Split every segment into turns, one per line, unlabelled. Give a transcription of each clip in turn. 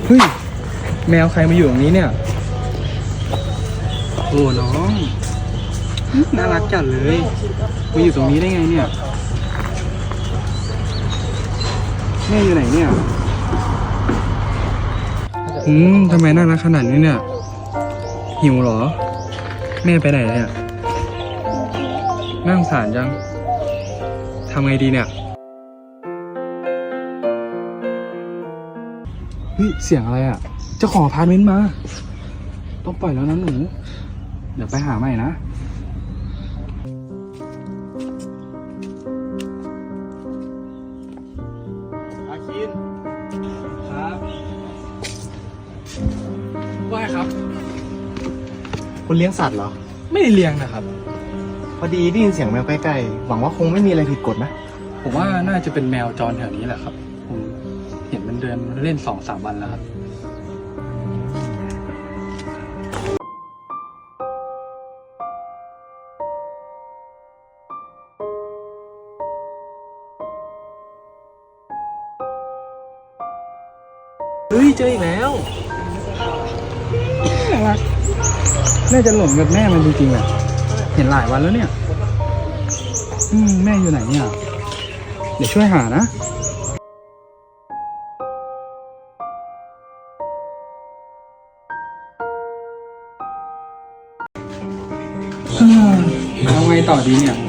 เฮ้ยแมวใครมาอยู่ตรงนี้เนี่ยโอ้น้องน่ารักจัดเลยมาอยู่ตรงนี้ได้ไงเนี่ยแม่อยู่ไหนเนี่ยทำไมน่ารักขนาดนี้เนี่ยหิวเหรอแม่ไปไหนเนี่ยน่าสงสารจังทำไงดีเนี่ยเฮ้ยเสียงอะไรอ่ะเจ้าของอพาร์ตเมนต์มาต้องปล่อยแล้วนะหนูเดี๋ยวไปหาใหม่นะอาคินครับว่าครับ
คุณเลี้ยงสัตว์เหรอ
ไม่ได้เลี้ยงนะครับ
พอดีได้ยินเสียงแมวใกล้ๆหวังว่าคงไม่มีอะไรผิดกฎนะ
ผมว่าน่าจะเป็นแมวจรแถวนี้แหละครับผมเห็นมันเดินเล่น 2-3 วันแล้วครับเฮ้ยเจออีกแล้วน่ารักน่าจะหลงกับแม่มันจริงๆแหละเห็นหลายวันแล้วเนี่ยแม่อยู่ไหนเนี่ยเดี๋ยวช่วยหานะเอาไงต่อดีเนี่ย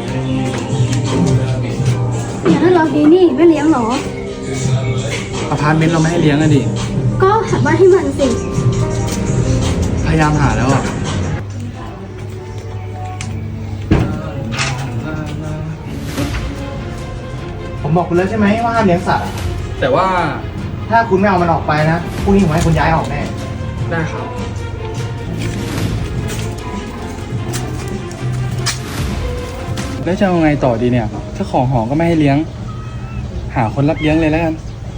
อย่างนั้นเราดีนี่ไม่เลี้ยงหรอ
อพาร์ตเมนต์เราไม่ให้เลี้ยงอะดิ
ก็หาบ้านให้มันสิ
พยายามหาแล้วอ่ะ
ผมบอกคุณแล้วใช่ไหมว่าห้ามเลี้ยงสัตว์
แต่ว่า
ถ้าคุณไม่เอามันออกไปนะพรุ่งนี้ผมให้คุณย้ายออกแน่
ได้ครับแล้วจะเอาไงต่อดีเนี่ยเจ้าของหอก็ไม่ให้เลี้ยงหาคนรับเลี้ยงเลยแล้วกัน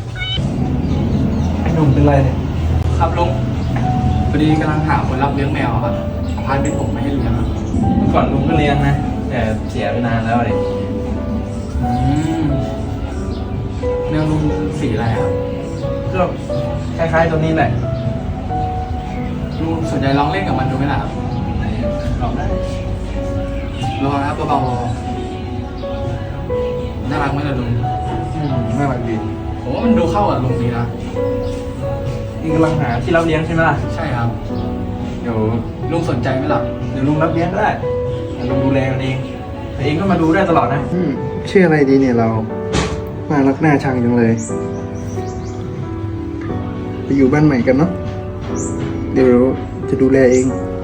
ไอ้หนุ่มเป็นไรเนี่ย
ครับลุงพอดีกำลังหาคนรับเลี้ยงแมวครับอพาร์ตเมนต์ผมไม่ให้เลี้ยง
เมื่อก่อนลุงก็เลี้ยงนะแต่เสียไปนานแล้วเลย
แมวลุงสีอะไรครับ
ก็คล้ายๆตัวนี้แหละ
ลุงสนใจลองเล่นกับมันดูไหมล่ะครับ
ลองได้
ลองนะครับเบาๆน่ารักไหมล่ะลุง
น่ารักดี
ผมว่ามันดูเข้ากับลุงดีนะ
ลุงกำลังหาที่รับเลี้ยงใช่ไหมล่ะ
ใช่ครับ
เดี๋ยว
ลุงสนใจไหมล่ะ
เดี๋ยวลุงรับเลี้ยงก็ได้แต่ลุงดูแลมันเองแต่เองก็มาดูได้ตลอดนะ
ชื่ออะไรดีเนี่ยเราน่ารักน่าชังจังเลยไปอยู่บ้านใหม่กันเนาะเดี๋ยวจะดูแลเอง